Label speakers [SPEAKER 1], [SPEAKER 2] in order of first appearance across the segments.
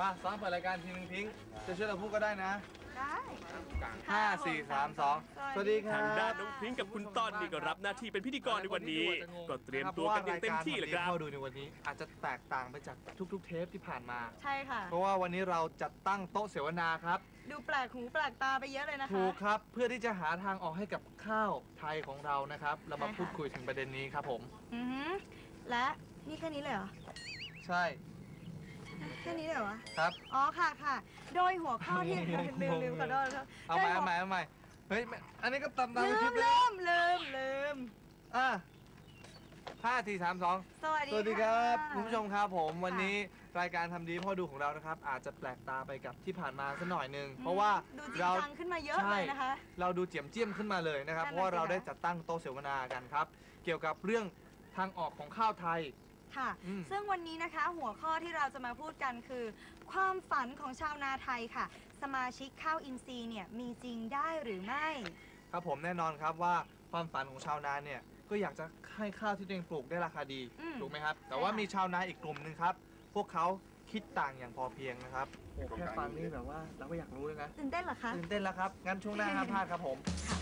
[SPEAKER 1] มาซ้อมเปิดรายการทีนึงพิงค์จะช่วยเราพูดก็ได้นะ
[SPEAKER 2] ได้
[SPEAKER 1] 5 4 3 2 สวัสดีครั
[SPEAKER 3] ทางด้าน
[SPEAKER 1] บ
[SPEAKER 3] น้องพริ้งกับคุณต้อนนี่ก็รับหน้าที่เป็นพิธีกรในวันนี้ ก็เตรียมตัวกันอย่างเต็มที่เลยครับ
[SPEAKER 1] เข้าดูในวันนี้อาจจะแตกต่างไปจากทุกๆเทปที่ผ่านมา
[SPEAKER 2] ใช่ค่ะ
[SPEAKER 1] เพราะว่าวันนี้เราจัดตั้งโต๊ะเสวนาครับ
[SPEAKER 2] ดูแปลกหูแปลกตาไปเยอะเลยนะคะ
[SPEAKER 1] ถูกครับเพื่อที่จะหาทางออกให้กับข้าวไทยของเรานะครับ เรามา
[SPEAKER 2] ใช่ค่ะ
[SPEAKER 1] พูดคุยถึงประเด็นนี้ครับผม
[SPEAKER 2] อือหือและนี่แค่นี้เลยเหรอ
[SPEAKER 1] ใช่
[SPEAKER 2] แค่นี้เลยเหรอ
[SPEAKER 1] ครับ
[SPEAKER 2] อ๋อค่ะค่ะ โดยหัวข้อที่ ลืมขอโทษครับ
[SPEAKER 1] เอาใหม่เอาใหม่เอาใหม่เฮ้ยอันนี้ก็ตามในคลิปเลย
[SPEAKER 2] ลืม
[SPEAKER 1] อ่ะ5 4 3 2
[SPEAKER 2] สวัสดี
[SPEAKER 1] สวัสดีครับ
[SPEAKER 2] ะ
[SPEAKER 1] คุณผู้ชมครับผมวันนี้รายการทำดีพ่อดูของเรานะครับ อาจจะแปลกตาไปกับที่ผ่านมาสักหน่อยหนึงเพราะว่า
[SPEAKER 2] ดูจริง
[SPEAKER 1] เรา
[SPEAKER 2] จังขึ้นมาเยอะเลยนะคะ
[SPEAKER 1] เราดูเจียมเจียมขึ้นมาเลยนะครับ
[SPEAKER 2] นั่น
[SPEAKER 1] เพ
[SPEAKER 2] น่ะ
[SPEAKER 1] ราะว่าเรา
[SPEAKER 2] สิคะ
[SPEAKER 1] ได้จัดตั้งโต๊ะเสวนากันครับ เกี่ยวกับเรื่องทางออกของข้าวไทย
[SPEAKER 2] ค่ะ
[SPEAKER 1] อืม
[SPEAKER 2] ซึ่งวันนี้นะคะหัวข้อที่เราจะมาพูดกันคือ ความฝันของชาวนาไทยค่ะ สมาชิกข้าวอินทรีย์เนี่ยมีจริงได้หรือไม่
[SPEAKER 1] ครับผมแน่นอนครับว่าความฝันของชาวนาเนี่ยก็อยากจะให้ข้าวที่ตัวเองปลูกได้ราคาดี
[SPEAKER 2] อืม
[SPEAKER 1] ถูกไหมครับ แต่ว่า
[SPEAKER 2] ใช่ค่ะ
[SPEAKER 1] มีชาวนาอีกกลุ่มหนึ่งครับ พวกเขาคิดต่างอย่างพอเพียงนะครับโอ้แค่ฟังนี่แบบว่าเราก็อยากรู้เลยนะ
[SPEAKER 2] ตื่นเต้นเหรอคะ
[SPEAKER 1] ตื่นเต้นแล้วครับงั้นช่วงหน้าห้ามพลาดครับผม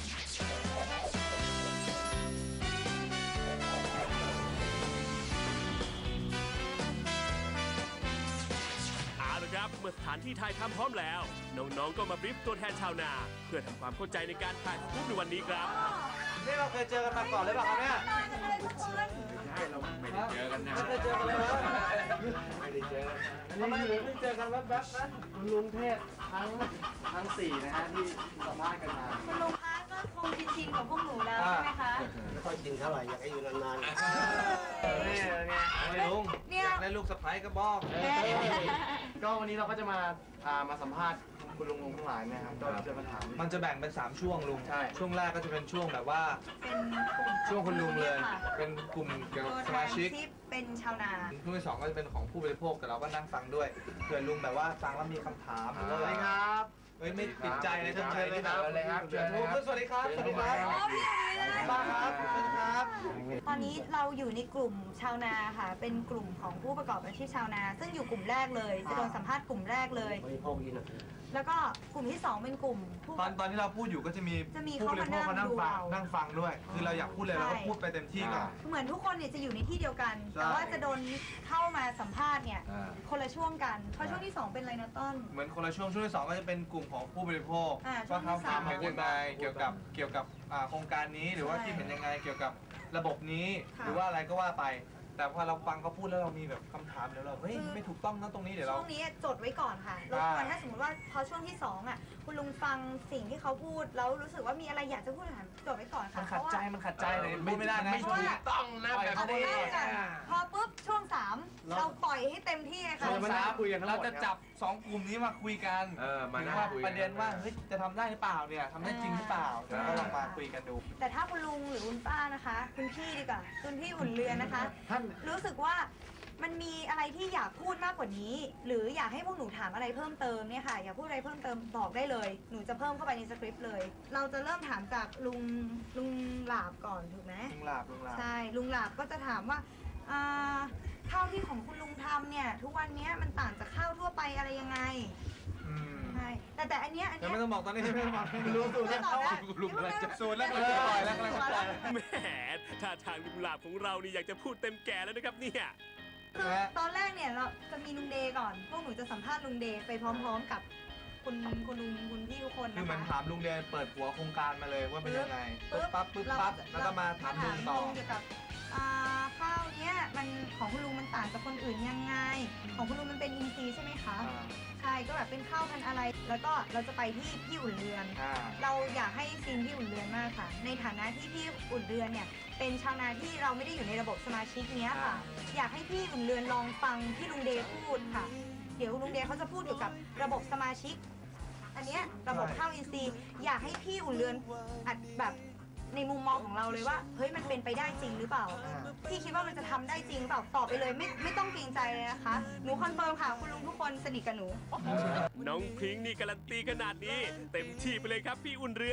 [SPEAKER 3] เอาละครับเมื่อสถานที่ถ่ายทำพร้อมแล้ว น้องๆก็มาบรีฟตัวแทนชาวนา เพื่อทำความเข้าใจในการถ่ายรูปในวันนี้ครับ
[SPEAKER 1] นี่เราเคยเจอกันมาก่อนหรือเปล่าครับเนี่ย
[SPEAKER 2] ตายกันเลยทุกคน
[SPEAKER 1] ไม่ได้เจอกันนะไม่เคยเจอกันเลยไม่ได้เจอกันทำไมถึงไม่เจอกันแวบๆนะคุณลุงเทพทั้ง4นะฮะที่สัมภาษณ์กันมา
[SPEAKER 2] คุณลุงคะก็คงชินๆกับพวกหนูแล้วใช่ไหมคะ
[SPEAKER 4] ไม่ค่อยกินเท่าไหร่อยากให้อยู่นาน
[SPEAKER 1] นี่ไงลุง
[SPEAKER 2] เนี่ย
[SPEAKER 1] อยากได้ลูกสะใภ้ก็บอก
[SPEAKER 4] ๆ ก็วันนี้เราก็จะมาสัมภาษณ์คุณลุงทั้งหลายนะครับก็จะมาถาม
[SPEAKER 1] มันจะแบ่งเป็น3ช่วงลุง
[SPEAKER 4] ใช่
[SPEAKER 1] ช่วงแรกก็จะเป็นช่วงแบบว่า
[SPEAKER 2] เป็นกลุ่ม
[SPEAKER 1] ช่วงคุณลุงเลย
[SPEAKER 2] ค่ะ
[SPEAKER 1] เป็นกลุ่มเกี่ยวกับ
[SPEAKER 2] ตัว
[SPEAKER 1] ส
[SPEAKER 2] แท
[SPEAKER 1] มาน ชิก
[SPEAKER 2] ที่เป็นชาวนา
[SPEAKER 1] ช่วงที่2ก็จะเป็นของผู้บริโภคแต่เราก็นั่งฟังด้วยเผื่อลุงแบบว่าฟังแล้วมีคำถามหรือว่า
[SPEAKER 4] สวัสดีครับ
[SPEAKER 1] เฮ้ยไม่ติดใจนะเชิญเลยครับ
[SPEAKER 4] เชิญเลยครับเชิญเลยครับ
[SPEAKER 1] สวัสดีครับสวัสดีครับบ้าครับเชิญครับ
[SPEAKER 2] ตอนนี้เราอยู่ในกลุ่มชาวนาค่ะ เป็นกลุ่มของผู้ประกอบอาชีพชาวนา ซึ่งอยู่กลุ่มแรกเลย จะโดนสัมภาษณ์กลุ่มแรกเลย
[SPEAKER 4] บริโภคกินอ่ะ
[SPEAKER 2] แล้วก็กลุ่มที่ 2 เป็นกลุ่มผู้
[SPEAKER 1] ตอนที่เราพูดอยู่ก็จะมี
[SPEAKER 2] จะมี
[SPEAKER 1] ผู้บริโภค
[SPEAKER 2] เขามานั่
[SPEAKER 1] นั่
[SPEAKER 2] ง
[SPEAKER 1] งฟัง
[SPEAKER 2] ดู
[SPEAKER 1] นั่งฟังด้วย คือเราอยากพูดเลยเราก็พูดไปเต็มที่ก่อน
[SPEAKER 2] เหมือนทุกคนเนี่ยจะอยู่ในที่เดียวกัน
[SPEAKER 1] ใช่
[SPEAKER 2] แต่ว่าจะโดนเข้ามาสัมภาษณ์เนี่ย
[SPEAKER 1] อ่า
[SPEAKER 2] คนละช่วงกัน เพราะช่วงที่ 2 เป็นอะไรนะต้น
[SPEAKER 1] เหมือนคนละช่วงที่2ก็จะเป็นกลุ่มของผู้บริโภค
[SPEAKER 2] ช่ว
[SPEAKER 1] ว่าง
[SPEAKER 2] ที่
[SPEAKER 1] เขา
[SPEAKER 2] สาม
[SPEAKER 1] คิดเห็นยังไงเกี่ยวกับโครงการนี้หรือว่า
[SPEAKER 2] ใช่
[SPEAKER 1] คิดเห็นยังไงเกี่ยวกับระบบนี้
[SPEAKER 2] ค่ะ
[SPEAKER 1] หรือว่าอะไรก็ว่าไป แต่พอเราฟังเขาพูดแล้วเรามีแบบคำถามเดี๋ยวเราเฮ้ย
[SPEAKER 2] คือ
[SPEAKER 1] ไม่ถูกต้องนะตรงนี้เดี๋ยวเรา
[SPEAKER 2] ช่วงนี้จดไว้ก่อนค่ะรบกวนถ้าสมมติว่าพอช่วงที่2อ่ะคุณลุงฟังสิ่งที่เขาพูดแล้วรู้สึกว่ามีอะไรอยากจะพูดถามจดไว้ก่อน
[SPEAKER 1] มั
[SPEAKER 2] ค่ะ
[SPEAKER 1] นขัดใจมันขัดใจเลยพูดไม่ได้นะ
[SPEAKER 4] ไม่ถูกต้องนะ
[SPEAKER 1] ปล่อย
[SPEAKER 4] แบบ
[SPEAKER 1] เขา
[SPEAKER 2] เอา
[SPEAKER 1] พูด
[SPEAKER 2] เริ่มกันพอปุ๊บช่วง 3 เราปล่อยให้เต็มที่เลยค่ะ
[SPEAKER 1] ช่วง
[SPEAKER 4] มา
[SPEAKER 1] สา
[SPEAKER 4] นั่
[SPEAKER 1] ม
[SPEAKER 4] งคุยกันทั้งหมด
[SPEAKER 1] เราจะจับ2กลุ่มนี้มาคุยกัน
[SPEAKER 4] มา
[SPEAKER 1] ถึ
[SPEAKER 4] นั่
[SPEAKER 1] ง
[SPEAKER 4] ง
[SPEAKER 1] ว่า
[SPEAKER 4] คุย
[SPEAKER 1] ประเด็นว่าเฮ้ยจะทำได้หรือเปล่าเนี่ยทำได้จริงหรือเปล่าเดี๋ยวเราลองมาคุยกันดู
[SPEAKER 2] แต่ถ้าคุณลุงหรือคุณป้านะคะ คุณพี่ดีกว่าคุณพี่อุ่นเรือนนะคะ
[SPEAKER 4] ท่าน
[SPEAKER 2] รู้สึกว่ามันมีอะไรที่อยากพูดมากกว่านี้ หรืออยากให้พวกหนูถามอะไรเพิ่มเติมเนี่ยค่ะ อยากพูดอะไรเพิ่มเติมบอกได้เลย หนูจะเพิ่มเข้าไปในสคริปต์เลย เราจะเริ่มถามจากลุงหลาบก่อนถูกไหม
[SPEAKER 1] ลุงหลาบ
[SPEAKER 2] ใช่ลุงหลาบก็จะถามว่าข้าวที่ของคุณลุงทำเนี่ย ทุกวันเนี้ยมันต่างจากข้าวทั่วไปอะไรยังไง
[SPEAKER 1] อืม
[SPEAKER 2] ใช่แต่อันเนี้ย
[SPEAKER 1] ยังไม่ต้องบอกตอนนี้ไม่ต้องบอก
[SPEAKER 4] รู้สูตรแล้ว
[SPEAKER 2] ตอบได้
[SPEAKER 1] ลุงกำลังจะสูตรแล้วกำลังจะปล่อยแล้วกำลังจะปล่อยแล้ว
[SPEAKER 3] แหมท่าทางลุงหลาบของเรานี่อยากจะพูดเต็มแก่แล้วนะครับเนี่ย
[SPEAKER 2] คือตอนแรกเนี่ยเราจะมีลุงเดย์ก่อน พวกหนูจะสัมภาษณ์ลุงเดย์ไปพร้อมๆกับคุณลุงคุณพี่ทุกคน
[SPEAKER 1] คือ
[SPEAKER 2] นะ
[SPEAKER 1] เหมือน
[SPEAKER 2] คะ
[SPEAKER 1] ถามลุงเรียนเปิดหัวโครงการมาเลยว่าเป็นยังไง
[SPEAKER 2] ปึ๊
[SPEAKER 1] ปึ๊บบ ปั๊บแล้วก็มาถามลุงต่อ
[SPEAKER 2] เกี่ยวกับข้าวเนี้ยมันของคุณลุงมันต่างจากคนอื่นยังไง ของคุณลุงมันเป็นอินทรีย์ใช่ไหมคะ ใช่ก็แบบเป็นข้าวพันธุ์อะไร แล้วก็เราจะไปที่พี่อุ่นเรือน เราอยากให้ซีนพี่อุ่นเรือนมากค่ะ ในฐานะที่พี่อุ่นเรือนเนี่ยเป็นชาวนาที่เราไม่ได้อยู่ในระบบสมาชิกเนี้ยค่ะ อยากให้พี่อุ่นเรือนลองฟังที่ลุงเดย์พูดค่ะ เดี๋ยวลุงเดย์เขาจะพูดเกี่ยวกับระบบสมาชิก อันเนี้ยระบบข้าวอินทรีย์อยากให้พี่อุ่นเรือนอัดแบบในมุมมองของเราเลยว่าเฮ้ยมันเป็นไปได้จริงหรือเปล่า พี่คิดว่ามันจะทำได้จริงหรือเปล่าตอบไปเลยไม่ต้องเกรงใจเลยนะคะหนูคอนเฟิร์มค่ะคุณลุงทุกคนสนิทกับหนู
[SPEAKER 3] น้องพริ้งนี่การันตีขนาดนี้ เต็มที่ไปเลยครับพี่อุ่นเรือน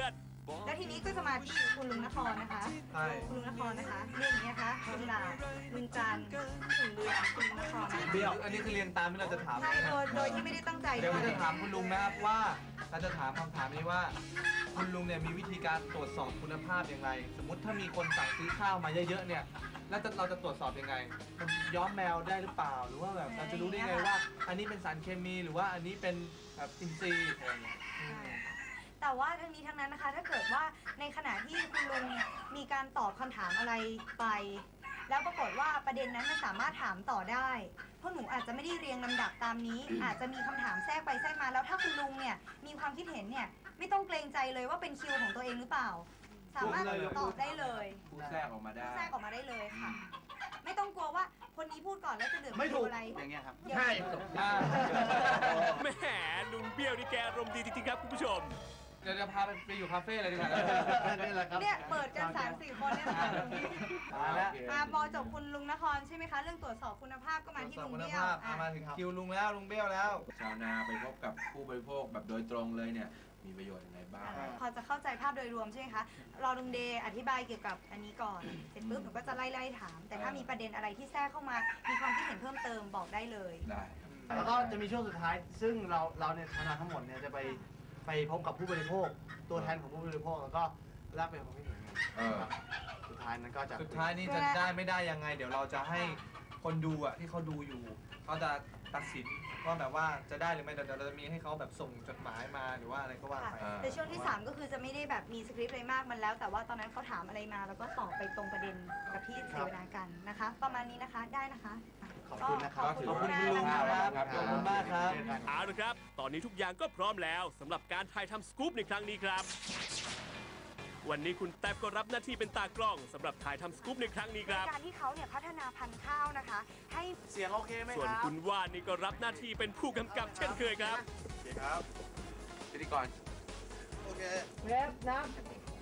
[SPEAKER 2] แล้วทีนี้ก็จะมาที่คุณลุงนครนะคะ
[SPEAKER 4] ใช่
[SPEAKER 2] คุณลุงนครนะคะเรียกอย่างนี้นะคะลุงหลาลุงจันทร์ถึงเรือคุณลุงนครนะคะ
[SPEAKER 4] เบี้ยวอันนี้คือเรียงตามที่เราจะถาม
[SPEAKER 2] ใช่โดยที่ไม่ได้ตั้งใจ
[SPEAKER 4] เดี๋ยว
[SPEAKER 2] ด้ว
[SPEAKER 4] เรา
[SPEAKER 2] ย
[SPEAKER 4] จะถามคุณลุงนะครับว่าเราจะถามคำถามนี้ว่า คุณลุงเนี่ยมีวิธีการตรวจสอบคุณภาพยังไง สมมติถ้ามีคนสั่งซื้อข้าวมาเยอะๆเนี่ยแล้วเราจะตรวจสอบยังไงมันย้อมแมวได้หรือเปล่า หรือว่าแบบเราจะรู้ได้ไงว่า อันนี้เป็นสารเคมีหรือว่าอันนี้เป็นแบบอินทรีย์อะไรอย่างเงี้ย
[SPEAKER 2] แต่ว่าทั้งนี้ทั้งนั้นนะคะ ถ้าเกิดว่าในขณะที่คุณลุงมีการตอบคำถามอะไรไป แล้วปรากฏว่าประเด็นนั้นมันสามารถถามต่อได้เพราะหนูอาจจะไม่ได้เรียงลำดับตามนี้ อาจจะมีคำถามแทรกไปแทรกมา แล้วถ้าคุณลุงเนี่ยมีความคิดเห็นเนี่ยไม่ต้องเกรงใจเลยว่าเป็นคิวของตัวเองหรือเปล่า สามารถตอบได้เลย
[SPEAKER 5] พูดแทรกออกมาได้
[SPEAKER 2] แทรกออกมาได้เลยค่ะ ไม่ต้องกลัวว่าคนนี้พูดก่อนแล้วจะเหลือ
[SPEAKER 1] ไม่ถูก
[SPEAKER 2] อะไร
[SPEAKER 1] อย่างเงี้ยครับ
[SPEAKER 2] เดี๋ยว
[SPEAKER 3] แหมลุงเบี้ยวนี่แกอารมณ์ดีจริงๆครับคุณผู้ชม
[SPEAKER 4] เดี๋ยวจะพาไปอยู่คาเฟ่เลยดีกว่า
[SPEAKER 1] นี่แหละครับ
[SPEAKER 2] เนี่ยเปิดกัน3-4 คนเนี่ยนะคะตรงนี้
[SPEAKER 4] มาแล้ว
[SPEAKER 2] พอจบคุณลุงนครใช่ไหมคะ เรื่องตรวจสอบคุณภาพก็มาที่ลุง
[SPEAKER 4] คุณ
[SPEAKER 2] เบี้ยว
[SPEAKER 4] ภาพมาถึงคิวลุงแล้วลุงเบี้ยวแล้ว
[SPEAKER 5] ชาวนาไปพบกับผู้บริโภคแบบโดยตรงเลยเนี่ย มีประโยชน์ยังไงบ้าง
[SPEAKER 2] พอจะเข้าใจภาพโดยรวมใช่ไหมคะ รอลุงเดย์อธิบายเกี่ยวกับอันนี้ก่อน เสร็จปุ๊บหนูก็จะไล่ถาม แต่ถ้ามีประเด็นอะไรที่แทรกเข้ามา มีความคิดเห็นเพิ่มเติมบอกได้เลย
[SPEAKER 5] ได้
[SPEAKER 1] แล้วก็จะมีช่วงสุดท้าย ซึ่งเราเนี่ยชาวนาทั้งหมดเนี่ยจะไปพบกับผู้บริโภค ตัวแทนของผู้บริโภคแล้วก็แลกเปลี่ยนความคิดเห็นกัน
[SPEAKER 5] เออ
[SPEAKER 1] ครับสุดท้ายนั้นก็จะ
[SPEAKER 4] สุดท้ายนี่จะได้ไม่ได้ยังไง เดี๋ยวเราจะให้คนดูอ่ะที่เขาดูอยู่เขาจะตัดสินว่าแบบว่าจะได้หรือไม่เดี๋ยวเราจะมีให้เขาแบบส่งจดหมายมาหรือว่าอะไรก็ว่า
[SPEAKER 2] ค่ะ
[SPEAKER 4] ไป
[SPEAKER 2] แต่ช่วงที่ 3 ก็คือจะไม่ได้แบบมีสคริปต์อะไรมากมันแล้ว แต่ว่าตอนนั้นเขาถามอะไรมาแล้วก็ตอบไปตรงประเด็นกับที่เสวนากันนะคะ ประมาณนี้นะคะได้นะคะ
[SPEAKER 1] ขอบคุณนะครับ
[SPEAKER 2] ขอบคุณ
[SPEAKER 4] ขอบคุณ
[SPEAKER 2] มาก
[SPEAKER 4] คุณลุง
[SPEAKER 2] นะ
[SPEAKER 4] ค
[SPEAKER 2] คะ
[SPEAKER 4] รับขอบคุณมากครับ
[SPEAKER 3] เอาละครับ ตอนนี้ทุกอย่างก็พร้อมแล้วสำหรับการถ่ายทำสกู๊ปในครั้งนี้ครับ วันนี้คุณแท็บก็รับหน้าที่เป็นตากล้องสำหรับถ่ายทำสกู๊ปในครั้งนี้ครับ
[SPEAKER 2] การที่เขาเนี่ยพัฒนาพันธุ์ข้าวนะคะ ให้
[SPEAKER 1] เสียงโอเคไหม
[SPEAKER 3] ส่วน
[SPEAKER 1] ครับ
[SPEAKER 3] คุณว่านนี่ก็รับหน้าที่เป็นผู้กำกับเช่นเคยครับ
[SPEAKER 5] โอเคครับ พิธีกร
[SPEAKER 1] โอเคเวฟนับ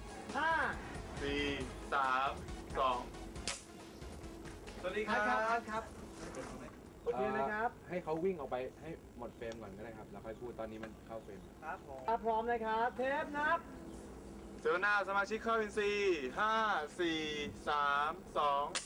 [SPEAKER 1] 5
[SPEAKER 6] 4 3 2
[SPEAKER 4] สวัสดีค
[SPEAKER 1] ค
[SPEAKER 4] รั
[SPEAKER 1] รับบ ครับโอเคนะครับ
[SPEAKER 5] ให้เขาวิ่งออกไปให้หมดเฟรมก่อนก็ได้ครับ แล้วค่อยพูดตอนนี้มันเข้าเฟรม
[SPEAKER 4] ครับผม
[SPEAKER 1] พร้อมนะครับเทปนับ
[SPEAKER 6] เสวนาสมาชิกเข้าอินซีย์5 4 3 2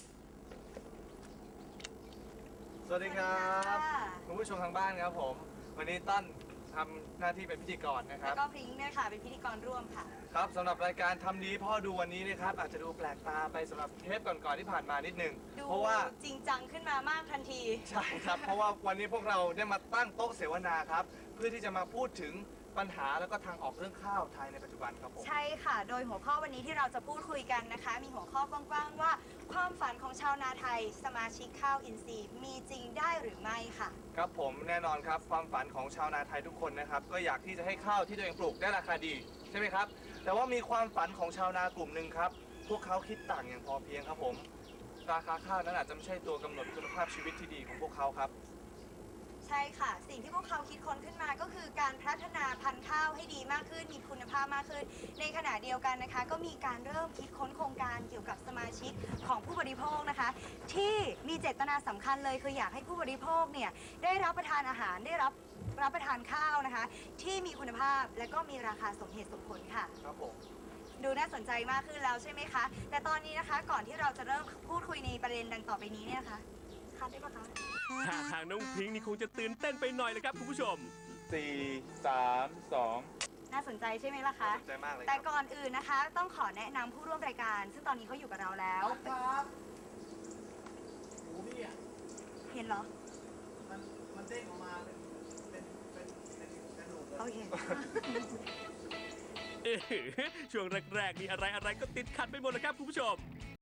[SPEAKER 4] สวัสดีครับคุณผู้ชมทางบ้านครับผม วันนี้ตั้นทำหน้าที่เป็นพิธีกรนะค
[SPEAKER 2] แล้
[SPEAKER 4] รั
[SPEAKER 2] ว
[SPEAKER 4] บ
[SPEAKER 2] ก็พริ้งเนี่ยค่ะ เป็นพิธีกรร่วมค่ะ
[SPEAKER 4] ครับสำหรับรายการทำดีพ่อดูวันนี้นะครับอาจจะดูแปลกตาไปสำหรับเทปก่อนๆที่ผ่านมานิดนึง
[SPEAKER 2] ดู
[SPEAKER 4] เพราะว่า
[SPEAKER 2] จริงจังขึ้นมามากทันที
[SPEAKER 4] ใช่ครับ เพราะว่าวันนี้พวกเราได้มาตั้งโต๊ะเสวนาครับ เพื่อที่จะมาพูดถึงปัญหาแล้วก็ทางออกเรื่องข้าวไทยในปัจจุบันครับผม
[SPEAKER 2] ใช่ค่ะ โดยหัวข้อวันนี้ที่เราจะพูดคุยกันนะคะ มีหัวข้อกว้างๆว่า ความฝันของชาวนาไทย สมาชิกข้าวอินทรีย์มีจริงได้หรือไม่ค่ะ
[SPEAKER 4] ครับผมแน่นอนครับความฝันของชาวนาไทยทุกคนนะครับก็อยากที่จะให้ข้าวที่ตัวเองปลูกได้ราคาดีใช่ไหมครับแต่ว่ามีความฝันของชาวนากลุ่มหนึ่งครับพวกเขาคิดต่างอย่างพอเพียงครับผมราคาข้าวนั้นอาจจะไม่ใช่ตัวกำหนดคุณภาพชีวิตที่ดีของพวกเขาครับ
[SPEAKER 2] ใช่ค่ะ สิ่งที่พวกเขาคิดค้นขึ้นมาก็คือการพัฒนาพันธุ์ข้าวให้ดีมากขึ้น มีคุณภาพมากขึ้น ในขณะเดียวกันนะคะ ก็มีการเริ่มคิดค้นโครงการเกี่ยวกับสมาชิกของผู้บริโภคนะคะ ที่มีเจตนาสำคัญเลยคืออยากให้ผู้บริโภคเนี่ยได้รับประทานอาหารได้รับประทานข้าวนะคะ ที่มีคุณภาพและก็มีราคาสมเหตุสมผลค่ะ
[SPEAKER 4] ครับผม
[SPEAKER 2] ดูน่าสนใจมากขึ้นแล้วใช่ไหมคะ แต่ตอนนี้นะคะก่อนที่เราจะเริ่มพูดคุยในประเด็นดังต่อไปนี้เนี่ยนะคะคัดได้ปะคะ
[SPEAKER 3] ท่าทางน้องพริ้งนี่คงจะตื่นเต้นไปหน่อยเลยครับคุณผู้ชม
[SPEAKER 6] 4 3 2
[SPEAKER 2] น่าสนใจใช่ไหมล่ะคะ
[SPEAKER 4] สนใจมากเลยค
[SPEAKER 2] แต่
[SPEAKER 4] รับ
[SPEAKER 2] ก่อนอื่นนะคะ ต้องขอแนะนำผู้ร่วมรายการ ซึ่งตอนนี้เขาอยู่กับเราแล้ว
[SPEAKER 1] ครับโอ้พี่อ่ะ
[SPEAKER 2] เห็นเหรอ
[SPEAKER 1] มันเด้งออกมาเป็นกระดูกเลย
[SPEAKER 2] โอเค
[SPEAKER 3] ช่วงแรกๆนี่อะไรๆก็ติดขัดไปหมดแล้วครับคุณผู้ชม